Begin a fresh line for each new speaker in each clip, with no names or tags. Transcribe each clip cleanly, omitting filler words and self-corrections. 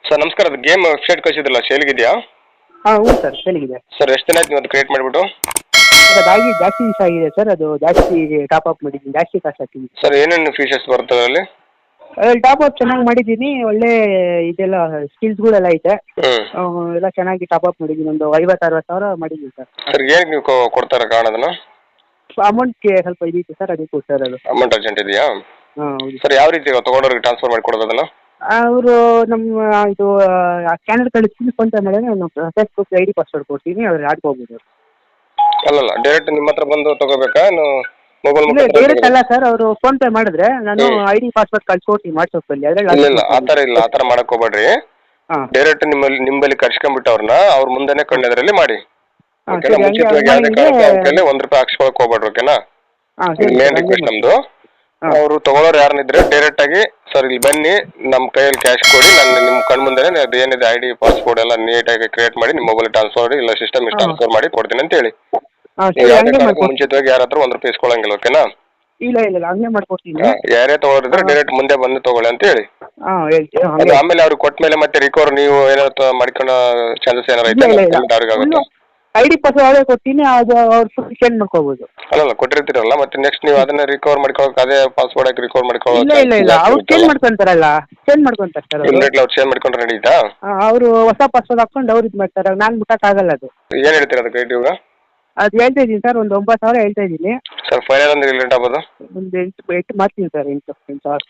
Sir ನಮಸ್ಕಾರ, ಅದು game website ಕಳಿಸಿದ್ರಲ್ಲ ಸೇಲ್ಗಿದೆಯಾ?
ಹಾಂ ಹ್ಞೂ ಸರ್ ಸೇಲಿಗಿದೆ.
ಸರ್ ಎಷ್ಟು ದಿನ ಆಯ್ತು ನೀವು ಅದು ಕ್ರಿಯೇಟ್ ಮಾಡಿಬಿಟ್ಟು?
ಅದಾಗಿ ಜಾಸ್ತಿ ದಿವಸ ಆಗಿದೆ ಸರ್. ಅದು ಜಾಸ್ತಿ ಟಾಪ್ ಅಪ್ ಮಾಡಿದ್ದೀನಿ, ಜಾಸ್ತಿ ಕಾಸ್ಟ್ ಹಾಕಿದ್ದೀನಿ.
ಸರ್ ಏನೇನು ಫೀಚರ್ಸ್ ಬರ್ತದೆ ಅಲ್ಲಿ?
ಅದ್ರಲ್ಲಿ ಟಾಪ್ ಅಪ್ ಚೆನ್ನಾಗಿ ಮಾಡಿದ್ದೀನಿ. ಒಳ್ಳೆ ಇದೆಲ್ಲ ಸ್ಕಿಲ್ಸ್ಗಳೆಲ್ಲ ಐತೆ.
ಹ್ಞೂ
ಎಲ್ಲ ಚೆನ್ನಾಗಿ ಟಾಪ್ ಅಪ್ ಮಾಡಿದ್ದೀನಿ. ಒಂದು 50-60 ಸಾವಿರ ಮಾಡಿದ್ದೀನಿ ಸರ್.
ಸರ್ ಏನಕ್ಕೆ ನೀವು ಕೊಡ್ತಾರೆ ಕಾರಣ ಅದನ್ನು?
ಅಮೌಂಟ್ಗೆ ಸ್ವಲ್ಪ ಇದಿತ್ತು ಸರ್, ಅದಕ್ಕೆ ಕೊಡ್ತಾರೆ ಅದು.
ಅಮೌಂಟ್ ಅರ್ಜೆಂಟ್ ಇದೆಯಾ?
ಹಾಂ ಹೌದು
ಸರ್ ಯಾವ ರೀತಿ ತೊಗೊಂಡವ್ರಿಗೆ ಟ್ರಾನ್ಸ್ಫರ್ ಮಾಡಿ ಕೊಡೋದು ಅದನ್ನು?
ಅವರು ನಮ್ಮ ಇದು ಸ್ಕ್ಯಾನರ್ ಕಳಿಸ್ತೀನಿ, ಫೋನ್ ಪೇ ಮಾಡಿದ್ರೆ ನಾನು ಫೇಸ್ಬುಕ್ ID ಪಾಸ್ವರ್ಡ್ ಕೊಡ್ತೀನಿ, ಅವ್ರು ಆಡ್ಕೋಬೋದು.
ಅಲ್ಲಲ್ಲ, ಡೈರೆಕ್ಟ್ ನಿಮ್ಮ ಹತ್ರ ಬಂದು ತೊಗೋಬೇಕಾ? ಮೊಬೈಲ್
ಇಲ್ಲ ಡೈರೆಕ್ಟ್ ಅಲ್ಲ ಸರ್, ಅವರು ಫೋನ್ ಪೇ ಮಾಡಿದ್ರೆ ನಾನು ID ಪಾಸ್ವರ್ಡ್ ಕಳ್ಸ್ಕೊಡ್ತೀನಿ ವಾಟ್ಸಪ್ಪಲ್ಲಿ. ಅದರಲ್ಲಿ
ಇಲ್ಲ ಆ ಥರ ಮಾಡಕ್ಕೆ ಹೋಗ್ಬೇಡ್ರಿ.
ಹಾಂ
ಡೈರೆಕ್ಟ್ ನಿಮ್ಮಲ್ಲಿ ಕರ್ಸ್ಕೊಂಡ್ಬಿಟ್ಟು ಅವ್ರನ್ನ ಅವ್ರ ಮುಂದೆನೇ ಕಣ್ಣೆದರಲ್ಲಿ ಮಾಡಿ.
ಹಾಂ
ಓಕೆನಾ?
ಸರಿ, ಹಂಗೆ
ಮುಂಚಿತವಾಗಿ ಯಾವುದೇ
ಹಂಗೆ
ಕಾರಣಕ್ಕೂ ಅವ್ರ ಕೈಲಿ ₹1 ಹಾಕ್ಸ್ಕೊಳಕ್ಕೆ ಹೋಗ್ಬೇಡ್ರಿ. ಓಕೆನಾ?
ಹಾಂ ಸರಿ
ಮೇನ್
ಸರ್, ಹಂಗೆ
ರಿಕ್ವೆಸ್ಟ್
ಮಾಡಿ.
ನಮ್ಮದು.
ಹಾಂ
ಅವರು ತಗೊಳ್ಳೋರು ಯಾರನ್ನಿದ್ರೆ ಡೈರೆಕ್ಟ್ ಆಗಿ ಸರ್ ಇಲ್ಲಿ ಬನ್ನಿ, ನಮ್ಮ ಕೈಯಲ್ಲಿ ಕ್ಯಾಶ್ ಕೊಡಿ, ನಾನು ನಿಮ್ಮ ಕಣ್ಣು ಮುಂದೆನೇ ಅದು ಏನಿದೆ ID ಪಾಸ್ವರ್ಡ್ ಎಲ್ಲ ನೀಟಾಗಿ ಕ್ರಿಯೇಟ್ ಮಾಡಿ ನಿಮ್ಮ ಮೊಬೈಲ್ ಟ್ರಾನ್ಸ್ಫರ್ ಮಾಡಿ, ಇಲ್ಲ ಸಿಸ್ಟಮ್ ಟ್ರಾನ್ಸ್ಫರ್ ಮಾಡಿ ಕೊಡ್ತೀನಿ ಅಂತ ಹೇಳಿ.
ಹಾಂ
ನೀವು
ಸರಿ,
ಯಾವುದೇ
ಹಂಗೆ
ಕಾರಣಕ್ಕೂ
ಮಾಡ್ಕೊಡ್ತೀನಿ.
ಮುಂಚಿತವಾಗಿ ಯಾರ ಹತ್ರ ₹1 ಇಸ್ಕೊಳ್ಳಂಗಿಲ್ಲ. ಓಕೆನಾ?
ಇಲ್ಲ ಹಂಗೆ ಮಾಡ್ಕೊಡ್ತೀನಿ.
ಯಾರೇ ತಗೊಳ್ಳೋರಿದ್ರೆ ಡೈರೆಕ್ಟ್ ಮುಂದೆ ಬಂದು ತಗೊಳ್ಳಿ ಅಂತ ಹೇಳಿ.
ಹಾಂ ಹೇಳ್ತೀನಿ.
ಅದು
ಹಂಗೆ
ಆಮೇಲೆ ಅವ್ರಿಗೆ ಕೊಟ್ಟ ಮೇಲೆ ಮತ್ತೆ ರಿಕವರ್ ನೀವು ಏನಾದ್ರು ಮಾಡ್ಕೊಳ್ಳೋ ಚಾನ್ಸಸ್ ಏನಾರು
ಇಲ್ಲ
ಐತೆ?
ಇಲ್ಲ
ಅವ್ರಿಗೆ ಆಗುತ್ತೆ.
ID ಪಾಸ್ವರ್ಡ್ ಅವರೇ ಕೊಡ್ತೀನಿ, ಅದು ಅವ್ರು ಫುಲ್ ಚೇಂಜ್ ಮಾಡ್ಕೋಬೋದು.
ಅಲ್ಲಲ್ಲ, ಕೊಟ್ಟಿರ್ತೀರಲ್ಲ, ಮತ್ತೆ ನೆಕ್ಸ್ಟ್ ನೀವು ಅದನ್ನ ರಿಕವರ್ ಮಾಡ್ಕೊಳ್ಳೋಕೆ ಅದೇ ಪಾಸ್ವರ್ಡ್ ಹಾಕಿ ರಿಕವರ್
ಇಲ್ಲ ಅವ್ರು ಚೇಂಜ್ ಮಾಡ್ಕೊಂತಾರಲ್ಲ, ಚೇಂಜ್ ಮಾಡ್ಕೊಂತಾರೆ ಸರ್ ಅವರು.
ಇಮಿಡಿಯೇಟ್ಲಿ ಅವ್ರು ಚೇಂಜ್ ಮಾಡ್ಕೊಂಡ್ರೆ ನಡೀತಾ?
ಅವರು ಹೊಸ ಪಾಸ್ವರ್ಡ್ ಹಾಕೊಂಡು ಅವ್ರು ಇದು ಮಾಡ್ತಾರೆ, ನಾನು ಮುಟ್ಟಕ್ಕಾಗಲ್ಲ ಅದು.
ಏನು ಹೇಳ್ತೀರಾ ಅದಕ್ಕೆ ರೇಟ್ ಇವಾಗ?
ಅದು ಹೇಳ್ತಾ ಇದ್ದೀನಿ ಸರ್, ಒಂದು 9,000 ಹೇಳ್ತಾ ಇದ್ದೀನಿ.
ಸರ್ ಫೈನಲ್ ಅಂದ್ರೆ ರೇಟ್ ಆಗ್ಬೋದು?
ಒಂದು 8 ಮಾಡ್ತೀನಿ ಸರ್. 8,000.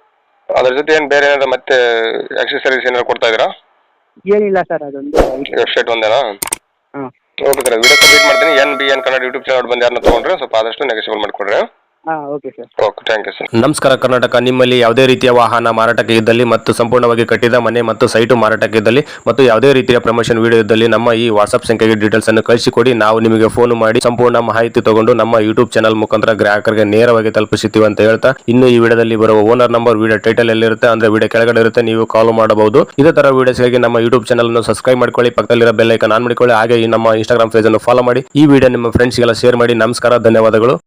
ಅದ್ರ ಜೊತೆ ಏನು ಬೇರೆ ಏನಾದ್ರು ಮತ್ತೆ ಆಕ್ಸೆಸರೀಸ್ ಏನಾದ್ರು ಕೊಡ್ತಾ ಇದ್ದೀರಾ?
ಏನಿಲ್ಲ ಸರ್, ಅದೊಂದು
ವೆಬ್ಸೈಟ್ ಒಂದೇನಾ?
ಹಾಂ
ಓಕೆ ಸರ್, ವಿಡಿಯೋ ಸಬ್ಮಿಟ್ ಮಾಡ್ತೀನಿ. NBN ಕನ್ನಡ ಯೂಟ್ಯೂಬ್ ಚಾನಲ್ ಬಂದು ಯಾರನ್ನ ತೊಗೊಂಡ್ರೆ ಸ್ವಲ್ಪ ಆದಷ್ಟು ನೆಗೆಸಿಬಲ್ ಮಾಡಿಕೊಡ್ರಿ.
ಹಾಂ okay sir.
Okay, thank you sir.
ನಮಸ್ಕಾರ ಕರ್ನಾಟಕ. ನಿಮ್ಮಲ್ಲಿ ಯಾವುದೇ ರೀತಿಯ ವಾಹನ ಮಾರಾಟಕ್ಕೆ ಇದ್ದಲ್ಲಿ ಮತ್ತು ಸಂಪೂರ್ಣವಾಗಿ ಕಟ್ಟಿದ ಮನೆ ಮತ್ತು ಸೈಟು ಮಾರಾಟಕ್ಕೆ ಇದ್ದಲ್ಲಿ ಮತ್ತು ಯಾವುದೇ ರೀತಿಯ ಪ್ರಮೋಷನ್ ವಿಡಿಯೋ ಇದ್ದಲ್ಲಿ ನಮ್ಮ ಈ ವಾಟ್ಸ್ಆಪ್ ಸಂಖ್ಯೆಗೆ ಡೀಟೇಲ್ಸ್ ಅನ್ನು ಕಳಿಸಿಕೊಡಿ. ನಾವು ನಿಮಗೆ ಫೋನ್ ಮಾಡಿ ಸಂಪೂರ್ಣ ಮಾಹಿತಿ ತಗೊಂಡು ನಮ್ಮ ಯೂಟ್ಯೂಬ್ ಚಾನಲ್ ಮುಖಾಂತರ ಗ್ರಾಹಕರಿಗೆ ನೇರವಾಗಿ ತಲುಪಿಸುತ್ತೀವಿ ಅಂತ ಹೇಳ್ತಾ, ಇನ್ನು ಈ ವಿಡಿಯೋದಲ್ಲಿ ಬರುವ ಓನರ್ ನಂಬರ್ ವಿಡಿಯೋ ಟೈಟಲ್ ಎಲ್ಲಿರುತ್ತೆ ಅಂದ್ರೆ ವಿಡಿಯೋ ಕೆಳಗಡೆ ಇರುತ್ತೆ, ನೀವು ಕಾಲ್ ಮಾಡಬಹುದು. ಇದೇ ತರ ವಿಡಿಯೋಸ್ಗಾಗಿ ನಮ್ಮ ಯೂಟ್ಯೂಬ್ ಚಾನಲ್ ಅನ್ನು ಸಬ್ಸ್ಕ್ರೈಬ್ ಮಾಡ್ಕೊಳ್ಳಿ, ಪಕ್ಕದಲ್ಲಿರೋ ಬೆಲ್ ಐಕಾನ್ ಆನ್ ಮಾಡಿಕೊಳ್ಳಿ. ಹಾಗೆ ಈ ನಮ್ಮ ಇನ್ಸ್ಟಾಗ್ರಾಮ್ ಪೇಜ್ ಅನ್ನು ಫಾಲೋ ಮಾಡಿ. ಈ ವಿಡಿಯೋ ನಿಮ್ಮ ಫ್ರೆಂಡ್ಸ್ಗೆಲ್ಲ ಶೇರ್ ಮಾಡಿ. ನಮಸ್ಕಾರ, ಧನ್ಯವಾದಗಳು.